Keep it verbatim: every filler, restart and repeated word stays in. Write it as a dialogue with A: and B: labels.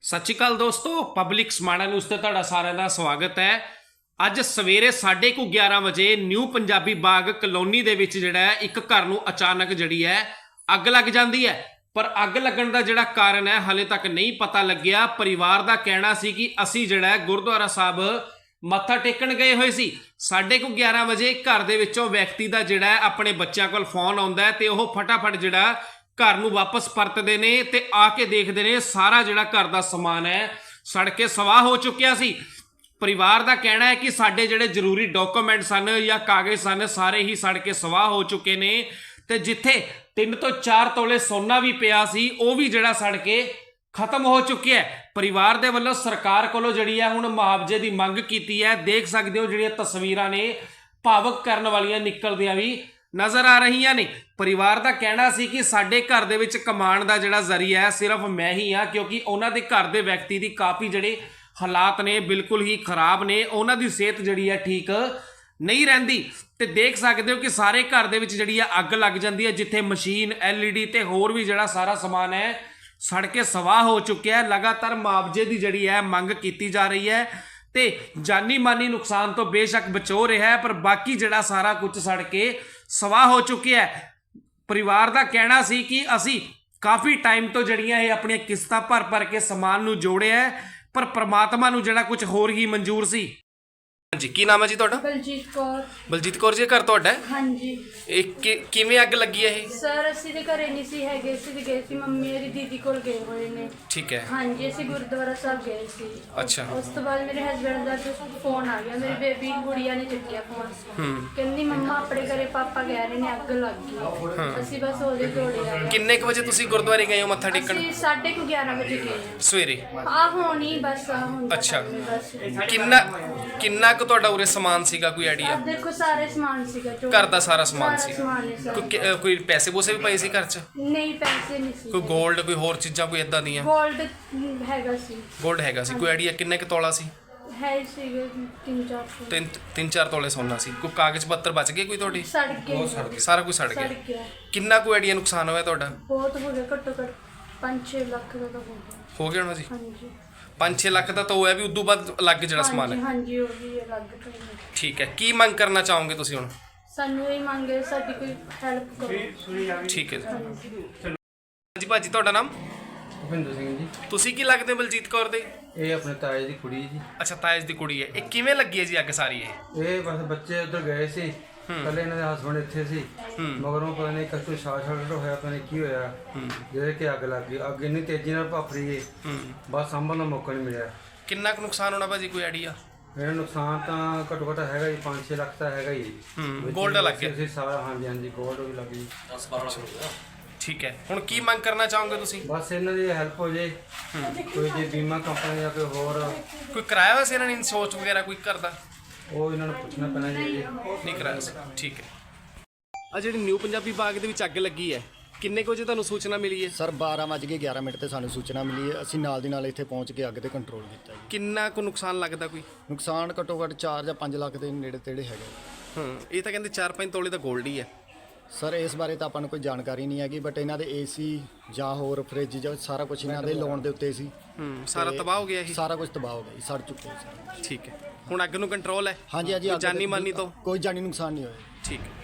A: सत श्री अकाल दोस्तों, पब्लिक समाणा न्यूज़ ते तुहाडा सारिਆਂ ਦਾ ਸਵਾਗਤ ਹੈ। ਅੱਜ ਸਵੇਰੇ ਸਾਢੇ ਕੁ ਗਿਆਰਾਂ ਵਜੇ ਨਿਊ ਪੰਜਾਬੀ ਬਾਗ ਕਲੋਨੀ ਦੇ ਵਿੱਚ ਜਿਹੜਾ ਹੈ ਇੱਕ ਘਰ ਨੂੰ ਅਚਾਨਕ ਜਿਹੜੀ ਹੈ ਅੱਗ ਲੱਗ ਜਾਂਦੀ ਹੈ। ਪਰ ਅੱਗ ਲੱਗਣ ਦਾ ਜਿਹੜਾ ਕਾਰਨ ਹੈ ਹਾਲੇ ਤੱਕ ਨਹੀਂ ਪਤਾ ਲੱਗਿਆ। ਪਰਿਵਾਰ ਦਾ ਕਹਿਣਾ ਸੀ ਕਿ ਅਸੀਂ ਜਿਹੜਾ ਗੁਰਦੁਆਰਾ ਸਾਹਿਬ ਮੱਥਾ ਟੇਕਣ ਗਏ ਹੋਏ ਸੀ। ਸਾਢੇ ਕੁ ਗਿਆਰਾਂ ਵਜੇ ਘਰ ਦੇ ਵਿੱਚੋਂ ਵਿਅਕਤੀ ਦਾ ਜਿਹੜਾ ਆਪਣੇ ਬੱਚਿਆਂ ਕੋਲ ਫੋਨ ਆਉਂਦਾ ਹੈ ਤੇ ਉਹ ਫਟਾਫਟ ਜਿਹੜਾ घर नूं वापस परतते ने ते आके देखते ने सारा जिहड़ा घर दा समान है सड़ के सवाह हो चुकिया सी। परिवार दा कहना है कि साडे जिहड़े जरूरी डॉक्यूमेंट सन या कागज़ सन सारे ही सड़ के सवाह हो चुके ने ते जिथे तीन तो चार तोले सोना भी पिया सी वो भी जिहड़ा सड़ के खत्म हो चुकिया है। परिवार दे वल्लों सरकार कोलों जिहड़ी है हुण मुआवजे की मंग कीती है। देख सकते हो जिहड़ियां तस्वीरां ने भावुक करन वालियां निकलदियां भी नज़र आ रही ने। परिवार का कहना सी कि साडे घर दे विच कमाण दा जिहड़ा जरिया है सिर्फ मैं ही हाँ, क्योंकि उन्हां दे घर दे व्यक्ति दी काफ़ी जिहड़े हालात ने बिल्कुल ही खराब ने, उन्हां दी सेहत जिहड़ी है ठीक नहीं रहिंदी। ते देख सकते हो कि सारे घर दे विच जिहड़ी है अग लग जाती है, जिथे मशीन एल ई डी ते होर भी जिहड़ा सारा समान है सड़ के सवाह हो चुकिया है। लगातार मुआवजे की जिहड़ी है मंग की जा रही है ते जानी मानी नुकसान तो बेशक बचो रहा है, पर बाकी जिहड़ा सारा कुछ सड़ के सवाह हो चुकिया है। परिवार का कहना सी कि असी काफ़ी टाइम तो जड़ियां ये अपनी किस्तां भर भर के समान नूं जोड़िया है, पर परमात्मा नूं जिहड़ा कुछ होर ही मंजूर सी। जी की नाम है जी तुहाडा?
B: बलजीत कौर।
A: बलजीत कौर जी घर तुहाडा?
B: हाँ जी।
A: एक कि, किवें अग लगी है?
B: सर ਅਸੀਂ ਤੇ ਘਰੇ ਨਹੀਂ ਸੀ ਹੈਗੇ, ਅਸੀਂ ਤੇ ਗਏ ਸੀ ਮੰਮੀ ਮੇਰੀ ਦੀਦੀ ਕੋਲ ਗਏ ਹੋਏ ਨੇ।
A: ठीक है।
B: हाँ जी, ਅਸੀਂ ਗੁਰਦੁਆਰਾ ਸਾਹਿਬ ਗਏ ਸੀ।
A: अच्छा।
B: ਉਸ ਤੋਂ ਬਾਅਦ ਮੇਰੇ ਹਸਬੰਡ ਦਾ ਫੋਨ ਆ ਗਿਆ, ਮੇਰੀ ਬੇਬੀ ਗੁੜੀਆ ਨੇ ਚੱਕਿਆ ਫੋਨ। ਕਹਿੰਦੀ ਮੰਮਾ ਆਪਣੇ ਘਰੇ ਪਾਪਾ ਕਹਿ ਰਹੇ ਨੇ ਅੱਗ ਲੱਗ ਗਈ। ਅਸੀਂ ਬਸ ਉਹਦੇ ਦੌੜੇ ਆ ਗਏ।
A: ਕਿੰਨੇ ਕੁ ਵਜੇ ਤੁਸੀਂ ਗੁਰਦੁਆਰੇ ਗਏ ਹੋ ਮੱਥਾ ਟੇਕਣ?
B: ਅਸੀਂ ਸਾਢੇ ਕੁ ਗਿਆਰਾਂ ਵਜੇ ਗਏ
A: ਸਵੇਰੇ।
B: ਆ ਹੋਣੀ ਬਸ ਆ ਹੁਣ।
A: ਅੱਛਾ।
B: ਬਸ
A: ਕਿੰਨਾ ਕਿੰਨਾ ਕੁ ਤੁਹਾਡਾ ਉਰੇ ਸਮਾਨ ਸੀਗਾ, ਕੋਈ ਆਈਡੀਆ?
B: ਆ ਦੇਖੋ ਸਾਰੇ ਸਮਾਨ ਸੀਗਾ ਜੋ
A: ਘਰ ਦਾ ਸਾਰਾ ਸਮਾਨ ਸੀ।
B: ਸਮਾਨ ਹੈ ਸਾਰਾ।
A: ਕੋਈ ਅਹ ਕੋਈ ਪੈਸੇ ਪੂਸੇ ਵੀ ਪਏ ਸੀ ਘਰ 'ਚ?
B: ਨਹੀਂ ਪੈਸੇ ਨਹੀਂ ਸੀ।
A: ਕੋਈ ਗੋਲਡ ਕੋਈ ਹੋਰ ਚੀਜ਼ਾਂ ਕੋਈ ਇਦਾਂ ਦੀਆਂ?
B: ਗੋਲਡ ਹੈਗਾ ਸੀ।
A: ਗੋਲਡ ਹੈਗਾ ਸੀ। ਕੋਈ ਆਈਡੀਆ ਕਿੰਨੇ ਕੁ ਤੋਲਾ ਸੀ?
B: ਹੈ ਸੀਗੇ ਤਿੰਨ ਚਾਰ ਸੌ।
A: ਤਿੰਨ ਤਿੰਨ ਚਾਰ ਤੋਲੇ ਸੋਨਾ ਸੀ। ਕੋਈ ਕਾਗਜ਼ ਪੱਤਰ ਬਚ ਗਏ ਕੋਈ ਤੁਹਾਡੀ?
B: ਸੜ ਗਏ।
A: ਸਾਰਾ ਕੁਝ ਸੜ
B: ਸੜ
A: ਗਿਆ।
B: ਗਿਆ।
A: ਕਿੰਨਾ ਕੋਈ ਆਈਡੀਆ ਨੁਕਸਾਨ ਹੋਇਆ ਤੁਹਾਡਾ?
B: ਬਹੁਤ ਹੋ ਗਿਆ, ਘੱਟੋ ਘੱਟ ਪੰਜ ਛੇ ਲੱਖ ਦਾ ਤਾਂ ਹੋ ਗਿਆ।
A: ਹੋ ਗਿਆ ਹੋਣਾ ਜੀ।
B: ਹਾਂਜੀ
A: ਪੰਜ ਛੇ ਲੱਖ ਦਾ ਤਾਂ ਹੋਇਆ ਵੀ, ਉਦੋਂ ਬਾਅਦ ਅਲੱਗ ਜਿਹੜਾ ਸਮਾਨ ਹੈ।
B: ਹਾਂਜੀ ਉਹ ਵੀ ਅਲੱਗ ਤੋਂ ਹੀ।
A: ਠੀਕ ਹੈ। ਕੀ ਮੰਗ ਕਰਨਾ ਚਾਹੋਗੇ ਤੁਸੀਂ ਹੁਣ?
B: ਸਾਨੂੰ ਇਹ ਮੰਗੇ ਸਾਡੀ ਕੋਈ ਹੈਲਪ ਕਰੋ।
A: ਠੀਕ ਹੈ ਜੀ।
B: ਹਾਂਜੀ।
A: ਜੀ ਭਾਜੀ ਤੁਹਾਡਾ ਨਾਮ?
C: ਭੁਪਿੰਦਰ ਸਿੰਘ ਜੀ।
A: ਤੁਸੀਂ ਕੀ ਲੱਗਦੇ ਬਲਜੀਤ ਕੌਰ ਦੇ?
C: ਇਹ ਆਪਣੇ ਤਾਏ ਦੀ ਕੁੜੀ ਜੀ।
A: ਅੱਛਾ, ਤਾਇਜ ਦੀ ਕੁੜੀ ਹੈ। ਇਹ ਕਿਵੇਂ ਲੱਗੀ ਹੈ ਜੀ ਅੱਗ ਸਾਰੀ ਇਹ?
C: ਇਹ ਬਸ ਬੱਚੇ ਉੱਧਰ ਗਏ ਸੀ, ਪਹਿਲੇ ਇਹਨਾਂ ਦੇ ਹਸਬੰਡ ਇੱਥੇ ਸੀ, ਮਗਰੋਂ ਪਤਾ ਨਹੀਂ ਕਸੂ ਸ਼ਾਰਟ ਸਰਕਟ ਹੋਇਆ, ਪਤਾ ਨਹੀਂ ਕੀ ਹੋਇਆ, ਜਿਹਦੇ ਕਿ ਅੱਗ ਲੱਗ ਗਈ। ਅੱਗ ਇੰਨੀ ਤੇਜ਼ੀ ਨਾਲ ਭੱਫ ਰਹੀ ਹੈ, ਬਸ ਸਾਂਭਣ ਦਾ ਮੌਕਾ ਨਹੀਂ ਮਿਲਿਆ।
A: ਕਿੰਨਾ ਕੁ ਨੁਕਸਾਨ ਹੋਣਾ ਭਾਜੀ, ਕੋਈ ਆਈਡੀਆ?
C: ਮੇਰਾ ਨੁਕਸਾਨ ਤਾਂ ਘੱਟੋ ਘੱਟ ਹੈਗਾ ਜੀ ਪੰਜ ਛੇ ਲੱਖ ਤਾਂ ਹੈਗਾ ਹੀ।
A: ਹੂੰ, ਗੋਲਡ ਲੱਗ ਗਿਆ
C: ਸੀ ਸਾਰਾ। ਹਾਂਜੀ ਹਾਂਜੀ ਗੋਲਡ ਵੀ ਲੱਗ ਗਈ।
A: ਠੀਕ ਹੈ। ਹੁਣ ਕੀ ਮੰਗ ਕਰਨਾ ਚਾਹੋਗੇ ਤੁਸੀਂ?
C: ਬਸ ਇਹਨਾਂ ਦੀ ਹੈਲਪ ਹੋ ਜੇ, ਕੋਈ ਜੇ ਬੀਮਾ ਕੰਪਨੀ ਜਾਂ ਕੋਈ ਹੋਰ,
A: ਕੋਈ ਕਰਾਇਆ ਹੋਇਆ ਸੀ ਇਹਨਾਂ ਨੇ ਇੰਸ਼ੋਰੈਂਸ ਵਗੈਰਾ ਕੋਈ ਕਰਦਾ?
C: ਉਹ ਇਹਨਾਂ ਨੂੰ ਪੁੱਛਣਾ ਪੈਣਾ ਜੀ।
A: ਨਹੀਂ ਕਰਾਇਆ ਸੀ। ਠੀਕ ਹੈ। ਆ ਜਿਹੜੀ ਨਿਊ ਪੰਜਾਬੀ ਬਾਗ ਦੇ ਵਿੱਚ ਅੱਗ ਲੱਗੀ ਹੈ, ਕਿੰਨੇ ਕੁ ਵਜੇ ਤੁਹਾਨੂੰ ਸੂਚਨਾ ਮਿਲੀ ਹੈ?
D: ਸਰ ਬਾਰਾਂ ਵੱਜ ਕੇ ਗਿਆਰਾਂ ਮਿੰਟ ਤੇ ਸਾਨੂੰ ਸੂਚਨਾ ਮਿਲੀ ਹੈ। ਅਸੀਂ ਨਾਲ ਦੀ ਨਾਲ ਇੱਥੇ ਪਹੁੰਚ ਕੇ ਅੱਗ ਤੇ ਕੰਟਰੋਲ ਕੀਤਾ ਜੀ।
A: ਕਿੰਨਾ ਕੁ ਨੁਕਸਾਨ ਲੱਗਦਾ ਕੋਈ?
D: ਨੁਕਸਾਨ ਘੱਟੋ ਘੱਟ ਚਾਰ ਜਾਂ ਪੰਜ ਲੱਖ ਦੇ ਨੇੜੇ ਤੇੜੇ ਹੈਗਾ।
A: ਹੂੰ, ਇਹ ਤਾਂ ਕਹਿੰਦੇ ਚਾਰ ਪੰਜ ਤੋਲੇ ਦਾ ਗੋਲਡ ਹੀ ਹੈ।
D: ਸਰ ਇਸ ਬਾਰੇ ਤਾਂ ਆਪਾਂ ਨੂੰ ਕੋਈ ਜਾਣਕਾਰੀ ਨਹੀਂ ਹੈਗੀ, ਬਟ ਇਹਨਾਂ ਦੇ ਏਸੀ ਜਾਂ ਹੋਰ ਫ੍ਰਿਜ ਜਾਂ ਸਾਰਾ ਕੁਝ ਇਹਨਾਂ ਦੇ ਲੋਨ ਦੇ ਉੱਤੇ ਸੀ।
A: ਹੂੰ, ਸਾਰਾ ਤਬਾਹ ਹੋ ਗਿਆ ਇਹ?
D: ਸਾਰਾ ਕੁਝ ਤਬਾਹ ਹੋ ਗਿਆ ਜੀ, ਸੜ ਚੁੱਕੇ ਸੀ।
A: ਠੀਕ ਹੈ। ਹੁਣ ਅੱਗ ਨੂੰ ਕੰਟਰੋਲ ਹੈ?
D: ਹਾਂਜੀ ਹਾਂਜੀ।
A: ਕੋਈ ਜਾਨੀ ਮਾਨੀ ਤੋਂ?
D: ਕੋਈ ਜਾਨੀ ਨੁਕਸਾਨ ਨਹੀਂ ਹੋਇਆ।
A: ਠੀਕ ਹੈ।